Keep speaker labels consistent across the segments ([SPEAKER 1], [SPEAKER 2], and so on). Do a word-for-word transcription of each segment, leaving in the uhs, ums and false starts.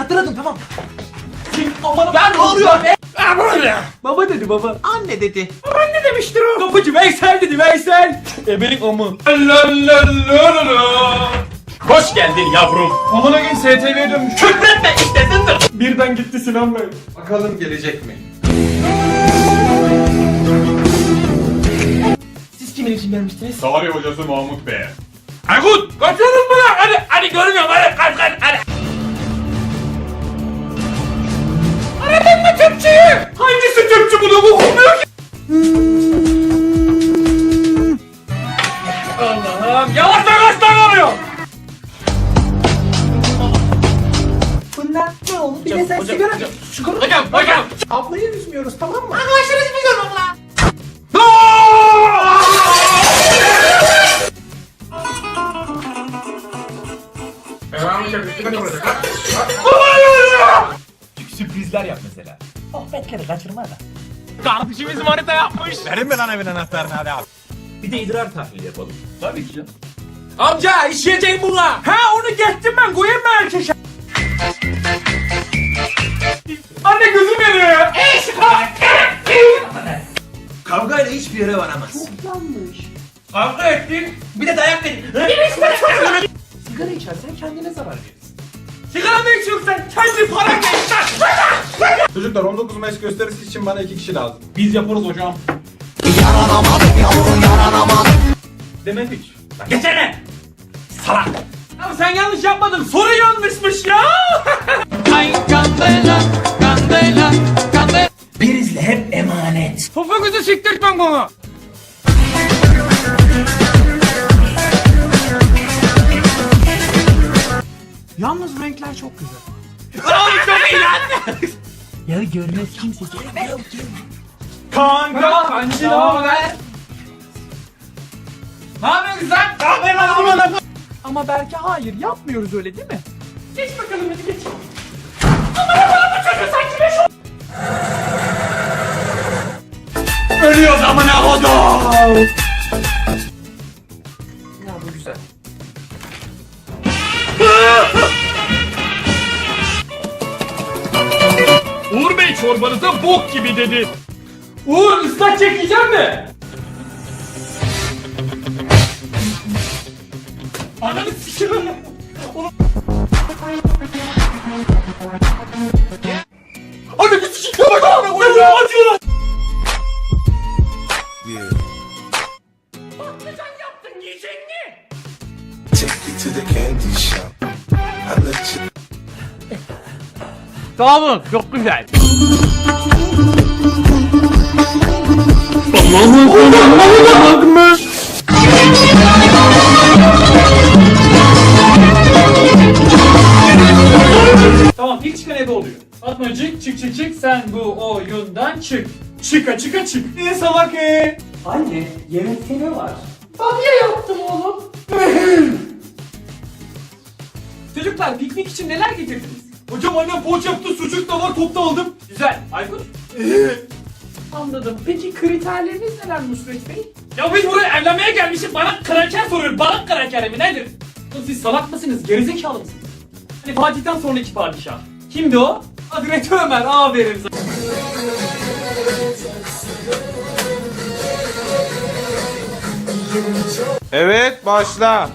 [SPEAKER 1] hatırladım tamam.
[SPEAKER 2] Aman ben ne oluyor be?
[SPEAKER 1] Baba dedi baba.
[SPEAKER 2] Anne dedi.
[SPEAKER 1] Anne demiştir o. Kapıcı Veysel dedi Veysel. Ebelik amı.
[SPEAKER 3] Hoş geldin yavrum.
[SPEAKER 1] Amına gün S T V'ye dönmüş.
[SPEAKER 3] Küfretme istesindir.
[SPEAKER 1] Birden gitti Sinan Bey.
[SPEAKER 2] Bakalım gelecek mi?
[SPEAKER 1] Siz kimin için gelmiştiniz?
[SPEAKER 3] Tarih hocası Mahmut Bey. Aykut kaçıyoruz mu lan? Hadi hadi görmüyorum hadi kaç kaç hadi. Aradın mı tüpçüyü? Hangisi tüpçü bunu bu okumuyor ki? Allah'ım yavaş yavaş davranıyor.
[SPEAKER 1] Bunlar ne oldu? Bir de sen sigara... Sigara...
[SPEAKER 3] Hocam hocam.
[SPEAKER 1] Ablayı üzmüyoruz tamam mı?
[SPEAKER 2] Arkadaşlar üzmüyorum abla.
[SPEAKER 1] Sürprizler yap mesela. Sohbetleri kaçırma da.
[SPEAKER 3] Kardeşimiz manita yapmış.
[SPEAKER 4] Verin mi lan evin anahtarını hadi abi.
[SPEAKER 1] Bir de idrar tahlili yapalım.
[SPEAKER 3] Tabii ki canım. Amca işleyeceğim buna.
[SPEAKER 1] Ha onu geçtim ben koyayım mı erkeşe?
[SPEAKER 3] Anne gözüm yanıyor ya.
[SPEAKER 2] Kavgayla hiçbir yere varamaz.
[SPEAKER 3] Kavga ettin.
[SPEAKER 2] Bir de dayak verin.
[SPEAKER 1] Sigara içersen kendine zarar verirsin.
[SPEAKER 3] Sigara mı içiyorsun sen? Kendi paran geçsen.
[SPEAKER 4] Çocuklar on dokuz Mayıs gösterisi için bana iki kişi lazım.
[SPEAKER 3] Biz yaparız hocam.
[SPEAKER 1] Demem hiç.
[SPEAKER 3] Geçene. Salak. Ya sen yanlış yapmadın. Soru yanlışmış ya.
[SPEAKER 1] Prizle hep emanet.
[SPEAKER 3] Topuğunuzu siktirtmem bana.
[SPEAKER 1] Yalnız renkler çok güzel.
[SPEAKER 3] Oğlum çok iyi lan.
[SPEAKER 1] Ya görmez kimse.
[SPEAKER 3] Kanka. Kancı ne haber? Ne yapıyorsun sen? Ne yapıyorsun lan?
[SPEAKER 1] Ama belki hayır yapmıyoruz öyle değil mi?
[SPEAKER 3] Geç bakalım hadi geç. Ölüyoruz amına kodum.
[SPEAKER 1] Ya bu güzel.
[SPEAKER 3] Uğur Bey çorbanıza bok gibi dedi. Uğur ıslak çekeceğim mi? Ananı sikiyorum. Ananı sikiyorum. Ananı acıyor. Patlıcan yaptın yiyecek mi?
[SPEAKER 5] Take you to the candy shop. I let you.
[SPEAKER 3] Sağ olun çok güzel. Tamam ilk çıkan ebe oluyor. Atmacık çık çık çık sen bu oyundan çık. Çıka çıka çık. Ne salak e?
[SPEAKER 1] Anne yemekte ne var?
[SPEAKER 3] Bamya yaptım oğlum. Çocuklar piknik için neler getirdiniz? Hocam annem poğaça yaptı, sucuk da var, top da aldım. Güzel. Aykut?
[SPEAKER 1] Anladım. Peki kriterleriniz neler Nusret Bey?
[SPEAKER 3] Ya biz buraya evlenmeye gelmişiz, bana kraker soruyor. Balık krakeri mi nedir? Oğlum siz salak mısınız, gerizekalı mısınız? Hani Fatih'ten sonraki padişah. Kimdi o? Hazreti Ömer, aferin sana.
[SPEAKER 4] Evet başla.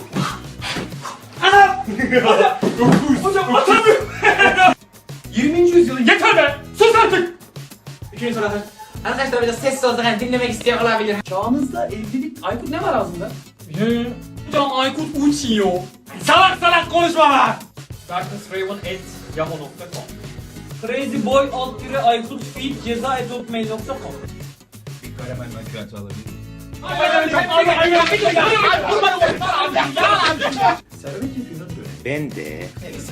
[SPEAKER 3] Hocam atamıyorum. yirminci yüzyılın yeter be! Sus artık! İkinci soru.
[SPEAKER 2] Arkadaşlar biraz sessiz olsak hani dinlemek isteyen olabilir.
[SPEAKER 3] Çağımızda evlilik... Aykut ne var ağzında? He. Hocam Aykut uçuyor. Salak salak konuşma lan! darknessraven at yahoo nokta com Crazyboy alt dire Aykut feed ceza et hotmail nokta com
[SPEAKER 4] Bir karamel macchiato alabilir miyim? Ben de.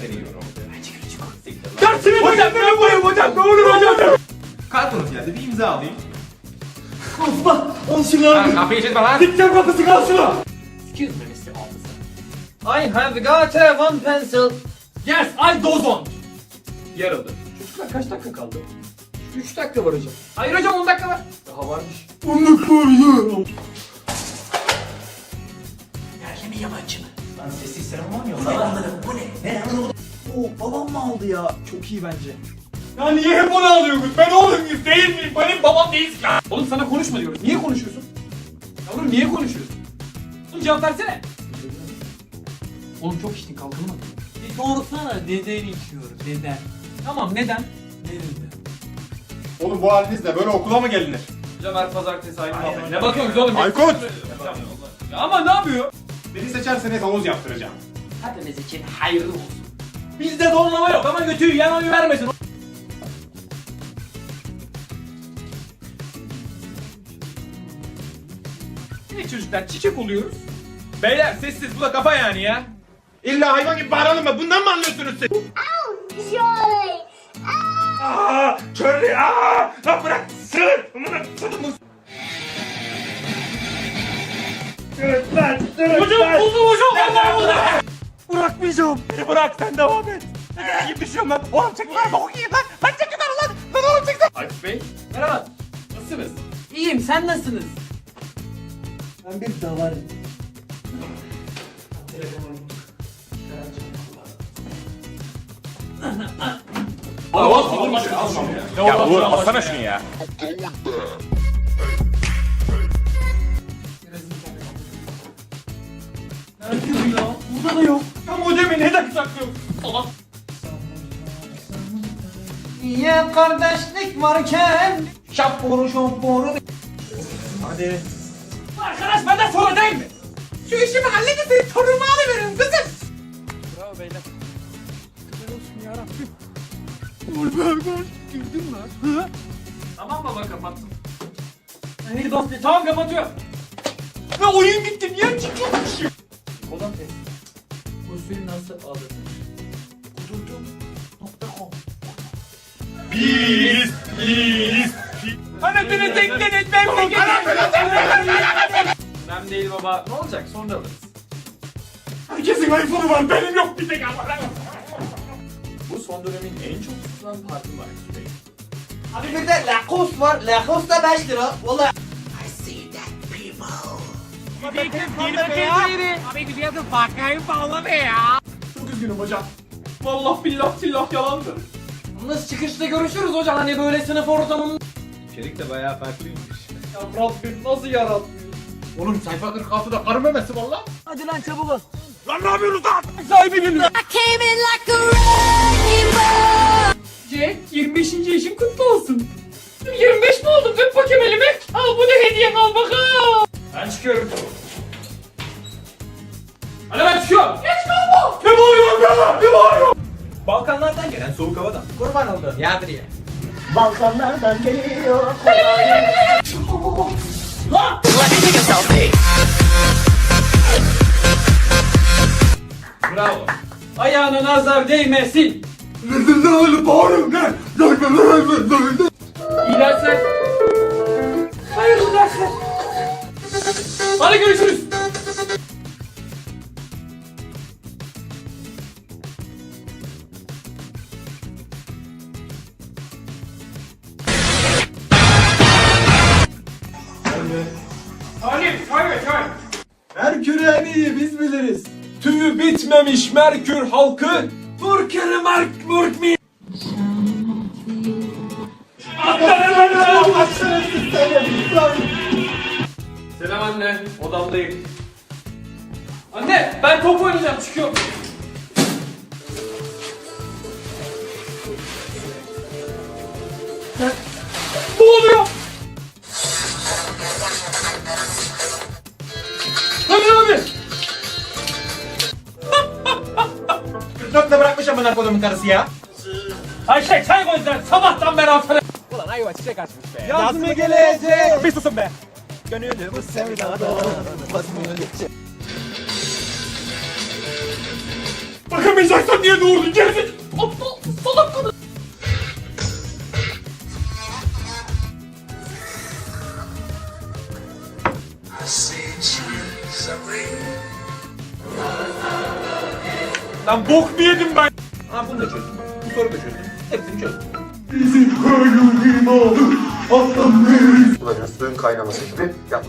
[SPEAKER 3] Dersini hocam ben yapayım hocam ne olur hocam.
[SPEAKER 4] Kartonuz geldi bir imza alayım.
[SPEAKER 3] Osman al şunu abi.
[SPEAKER 2] Kapıyı çizme lan.
[SPEAKER 3] Dikten kapısı kal şunu.
[SPEAKER 2] Excuse me mister Officer. I have got a one pencil.
[SPEAKER 3] Yes I don't. Yarıldı. Çocuklar kaç dakika kaldı?
[SPEAKER 1] üç dakika var hocam.
[SPEAKER 3] Hayır hocam on dakika var.
[SPEAKER 1] Daha varmış.
[SPEAKER 2] Erkek mi yabancı mı? Lan sessiz selam var mı yok? Lan bu ne? Ne lan bu? Oo, babam mı aldı ya? Çok iyi bence.
[SPEAKER 3] Ya niye hep onu alıyorsunuz? Ben oğlum muyum değil miyim? Benim babam değilsin ya. Oğlum sana konuşma diyoruz. Niye konuşuyorsun? Yavrum niye konuşuyorsun? Oğlum cevap versene. Oğlum çok içtin kalkalım mı? Bir sorsana neden içiyorum neden? Tamam neden? Neden?
[SPEAKER 4] Oğlum bu halinizle böyle okula mı gelinir?
[SPEAKER 3] Hocam her pazartesi aynı muhabbet. Ne bakıyorsunuz oğlum?
[SPEAKER 4] Aykut!
[SPEAKER 3] Ya ama ne yapıyor?
[SPEAKER 4] Beni seçerseniz havuz yaptıracağım.
[SPEAKER 3] Hepimiz için hayırlı olsun. Bizde donlama yok ama götüyü yan oyu vermesin. Ne çocuklar çiçek oluyoruz.
[SPEAKER 4] Beyler sessiz, bu da kafa yani ya. İlla hayvan gibi bağıralım mı? Bundan mı anlıyorsunuz siz?
[SPEAKER 6] Joy!
[SPEAKER 4] Aaa! Çörlü! Aaa! Lan bırak! Sığır! Amına kodumun! Lütfen!
[SPEAKER 3] Hocam buldum hocam. Allah Allah.
[SPEAKER 4] Bırakmayacağım! Beni bırak, sen devam et! Ben iyi düşüyorum lan! Oğlum çekin lan! Bok yiyin lan! Lan çekin lan lan! Lan oğlum çekin!
[SPEAKER 3] Aykut Bey. Merhaba. Nasılsınız? İyiyim sen nasılsınız?
[SPEAKER 1] Ben bir davarım.
[SPEAKER 3] Al al al al.
[SPEAKER 4] Ya Uğur alsana şunu ya!
[SPEAKER 3] Nerede ya? Burada da yok. Ya modemi neden saklıyorsun? Allah.
[SPEAKER 2] Niye kardeşlik varken şapboru şapboru. Hadi.
[SPEAKER 3] Arkadaş benden sonra değil mi? Şu işimi halledin seni torunumu alıverin kızım. Bravo beyler. Güzel olsun yarabbim. Güldün mü? Hı? Tamam baba kapattım. Hadi bas be. Tamam kapatıyorum. Ve oyun gitti. Niye çıkıyormuş? Kolon test. Usulü nasıl alınır? Kudurdum. Nokta com.
[SPEAKER 4] Biz! Biz!
[SPEAKER 3] Anasını tekledin ben tekledin. Önemli değil baba. Ne olacak sonra alırız.
[SPEAKER 4] Herkesin iPhone'u var, benim yok bir tek ama.
[SPEAKER 3] Bu son dönemin en çok tutulan parti var.
[SPEAKER 2] Abi bir de Lacoste var. Lacoste da beş lira. Valla.
[SPEAKER 3] Çok üzgünüm hocam. Vallahi billah tillah yalandır. Nasıl çıkışta görüşürüz hocam hani böyle sınıf ortamında.
[SPEAKER 4] İçerik de bayağı farklıymış.
[SPEAKER 3] Ya Rabbim nasıl yaratmıyor?
[SPEAKER 4] Oğlum sayfa kırk altıda karı memesi var lan.
[SPEAKER 2] Hadi lan çabuk ol.
[SPEAKER 4] Lan ne yapıyorsunuz lan?
[SPEAKER 3] Sahibi geliyor.
[SPEAKER 6] I came in like a wrecking ball!
[SPEAKER 3] Jack yirmi beşinci yaşın kutlu olsun. yirmi beş mi oldum? Öp bakayım elimi. Al bu da hediyen al bakalım. Ben çıkıyorum. Hadi ben çıkıyorum. Geç kalma. Ne bağırıyorsun ya? Ne bağırıyorsun?
[SPEAKER 4] Balkanlardan gelen soğuk havadan.
[SPEAKER 2] Kurban oldu. Yardır ya.
[SPEAKER 1] Balkanlardan geliyor.
[SPEAKER 3] Bravo. Ayağına nazar değmesin. İyi dersler. Hayırlı dersler. Hadi görüşürüz. Halim, hayır, hayır.
[SPEAKER 2] Merkür en iyi biz biliriz. Tüyü bitmemiş Merkür halkı. Burkeri Merk Murk mi?
[SPEAKER 3] Selam anne, odamdayım. Anne, ben top oynayacağım, çıkıyorum. Ne oluyor? Hadi abi.
[SPEAKER 4] Nokta bırakmış amına kodumun karısı ya.
[SPEAKER 3] Ayşe çay koy sen, sabahtan beri hafta.
[SPEAKER 2] Yaz mı gelecek?
[SPEAKER 4] Bir susun be.
[SPEAKER 3] Bakamayacaksan niye doğurdun gerizekalı? Aptal, salak kadın.
[SPEAKER 4] Lan bok mu yedim ben? Ha bunu da çözdüm. Bu soruyu da çözdüm. Hepsini çözdüm.
[SPEAKER 7] kullanıyoruz. Suyun kaynaması gibi yap.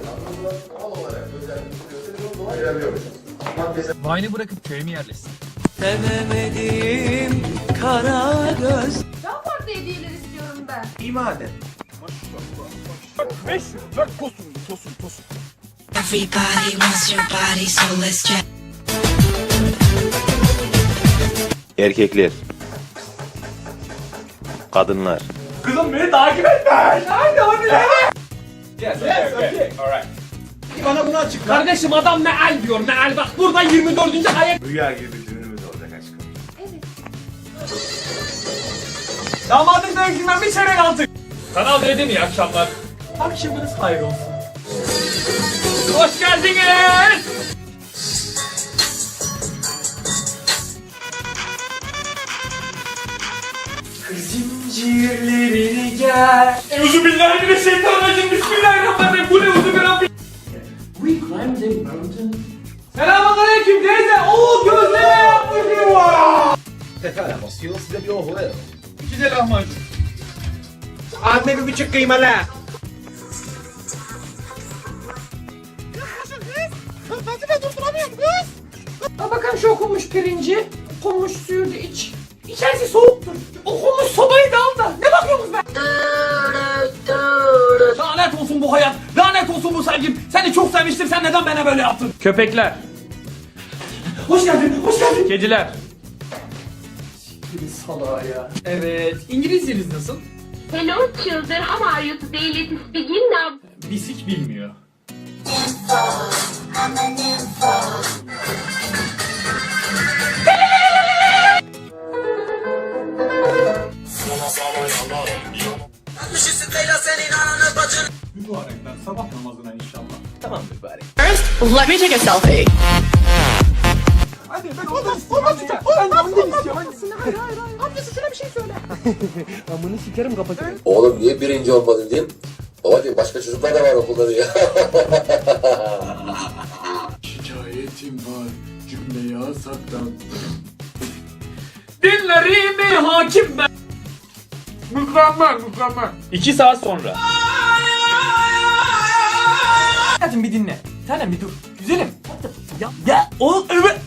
[SPEAKER 3] Vine'ı bırakıp köye mi yerleşsin?
[SPEAKER 7] Sevemediğim kara göz.
[SPEAKER 6] Daha farklı hediyeler istiyorum ben.
[SPEAKER 4] İyi madem. beş yüz dört tosun tosun tosun.
[SPEAKER 6] Everybody wants your body, so let's check.
[SPEAKER 8] Erkekler. Kadınlar.
[SPEAKER 2] Kızım beni takip etme. Hadi hadi. Yes, okay, okay. Alright.
[SPEAKER 4] Bana bunu açıkla.
[SPEAKER 3] Kardeşim adam meal diyor meal bak burada yirmi dördüncü ayet.
[SPEAKER 4] Rüya gibi bir düğünümüz olacak aşkım.
[SPEAKER 3] Damadın dövüşünden bir çeyrek aldık. Kanal D'den iyi akşamlar. Akşamınız hayır olsun. Hoş geldiniz. Zincirlerini gel. Euzubillahimineşşeytanirracim. Bismillahirrahmanirrahim. Bu ne uzubillahirrahmanirrahim. We climbed a mountain. Selamünaleyküm teyze. Oo gözleme yaptırıyor.
[SPEAKER 4] Pekala basıyor size bir oğlu ver. İki de lahmacun. Anne bir buçuk kıymalı.
[SPEAKER 3] Ha bakalım şu okunmuş pirinci. Okunmuş suyu da iç. İçerisi soğuktur. Okunmuş sobayı da al da. Ne bakıyorsunuz be? Lanet olsun bu hayat. Lanet olsun bu sevgim. Seni çok sevmiştim. Sen neden bana böyle yaptın? Köpekler. Hoş geldin. Hoş geldin. Kediler. Siktir salağa ya. Evet. İngilizceniz nasıl?
[SPEAKER 9] Hello children, how are you today? Let's begin now.
[SPEAKER 3] Bisik bilmiyor.
[SPEAKER 2] Mübarekler sabah namazına inşallah.
[SPEAKER 4] Tamam mübarek.
[SPEAKER 7] Let me take a selfie.
[SPEAKER 2] Hadi ben ondan istiyorum. Hadi ya. Ben de ondan istiyorum. Hayır hayır hayır.
[SPEAKER 7] Amcası şuna bir şey söyle. Amını sikerim kapatırım.
[SPEAKER 5] Oğlum niye birinci olmadın diyeyim. Baba diyor başka çocuklar da var okulda diyor.
[SPEAKER 2] Şikayetim var. Cümleyi asaktan.
[SPEAKER 3] Dinlerimi hakim ben. Mükemmel mükemmel. İki saat sonra. Hadi bir dinle. Tanem bir dur. Güzelim. Ya ya o evet.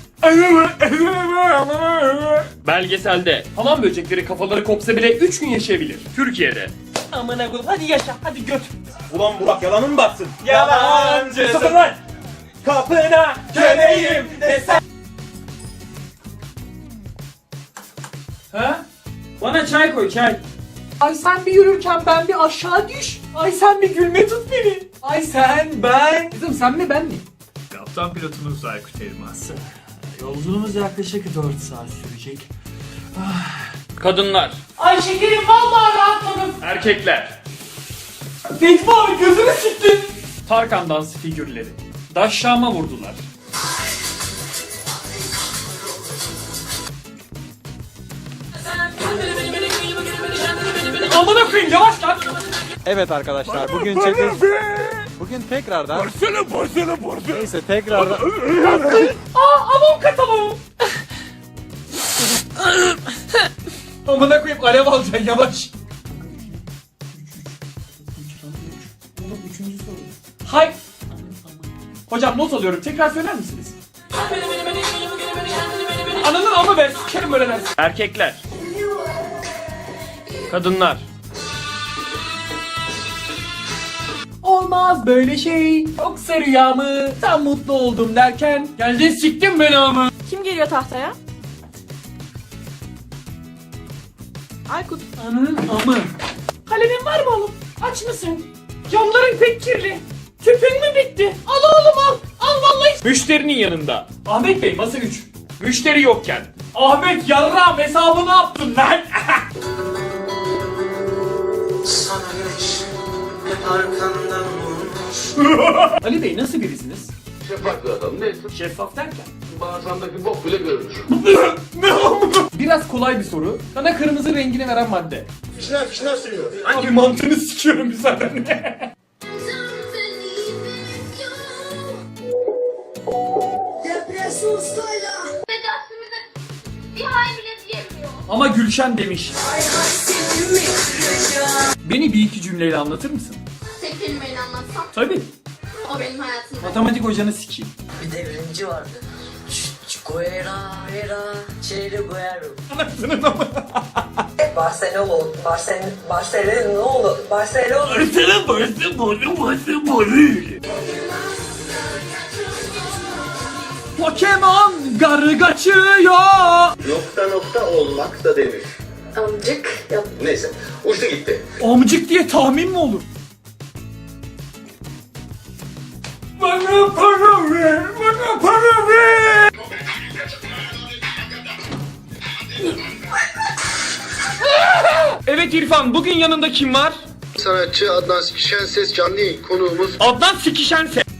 [SPEAKER 3] Belgeselde hamam böcekleri kafaları kopsa bile üç gün yaşayabilir. Türkiye'de. Amına koyayım hadi yaşa hadi göt.
[SPEAKER 4] Ulan Burak yalanın mı baksın?
[SPEAKER 3] Yalancı.
[SPEAKER 4] Sıfır lan. Kapına köleyim desen.
[SPEAKER 3] Ha? Bana çay koy çay. Ay sen bir yürürken ben bir aşağı düş. Ay sen bir gülme tut beni. Ay sen ben. Kızım sen mi ben mi?
[SPEAKER 2] Kaptan pilotunuz Aykut Elmas.
[SPEAKER 3] Yolculuğumuz yaklaşık dört saat sürecek. Kadınlar. Ay şekerim vallahi rahatladım. Erkekler. Necmi abi gözünü siktin. Tarkan dans figürleri. Daşşama vurdular. Amına koyayım yavaş lan.
[SPEAKER 10] Evet arkadaşlar bugün çekeceğiz. Bugün tekrardan.
[SPEAKER 4] Borsana borsana borsana.
[SPEAKER 10] Neyse tekrardan.
[SPEAKER 3] Aa avon katalım. Amına koyayım alev alacaksın yavaş. Oğlum üçüncü soru. Hay. Hocam not alıyorum tekrar söyler misiniz? Ananın amı be sikerim öyle dersin. Erkekler. Kadınlar. Olmaz böyle şey. Yoksa rüyamı tam mutlu oldum derken geldin siktin beni ama.
[SPEAKER 7] Kim geliyor tahtaya? Aykut.
[SPEAKER 3] Ananın amı. Kalemin var mı oğlum? Aç mısın? Camların pek kirli. Tüpün mü bitti? Al oğlum al. Al vallahi. Müşterinin yanında. Ahmet Bey masa üç. Müşteri yokken. Ahmet yarrağım hesabı ne yaptın lan?
[SPEAKER 7] Sana güneş hep arkandan vurmuş.
[SPEAKER 3] Ali Bey nasıl birisiniz?
[SPEAKER 5] Şeffaf bir adam neyse.
[SPEAKER 3] Şeffaf derken?
[SPEAKER 5] Bağırsağındaki bok bile görünür.
[SPEAKER 3] Biraz kolay bir soru. Sana kırmızı rengini veren madde.
[SPEAKER 4] Fişler fişler sürüyor.
[SPEAKER 3] Abi mantığını sikiyorum müsaadenle.
[SPEAKER 9] Tedavimize bir hay bile diyemiyor.
[SPEAKER 3] Ama Gülşen demiş. Beni bir iki cümleyle anlatır mısın?
[SPEAKER 9] Tek kelimeyle anlatsam
[SPEAKER 3] Tabii.
[SPEAKER 9] o benim hayatımda.
[SPEAKER 3] Matematik hocanı sikeyim.
[SPEAKER 7] Bir devrimci vardı. Ç-
[SPEAKER 3] Anasının ama.
[SPEAKER 1] Barcelona olur. Barcelona. Barcelona olur. Barcelona.
[SPEAKER 3] Barcelona, Barcelona, Barcelona. Pokemon garı kaçıyor.
[SPEAKER 5] Nokta nokta olmak da denir.
[SPEAKER 1] Amcık. Yap.
[SPEAKER 5] Neyse uçtu gitti.
[SPEAKER 3] Amcık diye tahmin mi olur? Bana para ver, bana para ver. Evet İrfan, bugün yanında kim var?
[SPEAKER 5] Sanatçı Adnan Sikişen Ses canlı yayın konuğumuz.
[SPEAKER 3] Adnan Sikişense.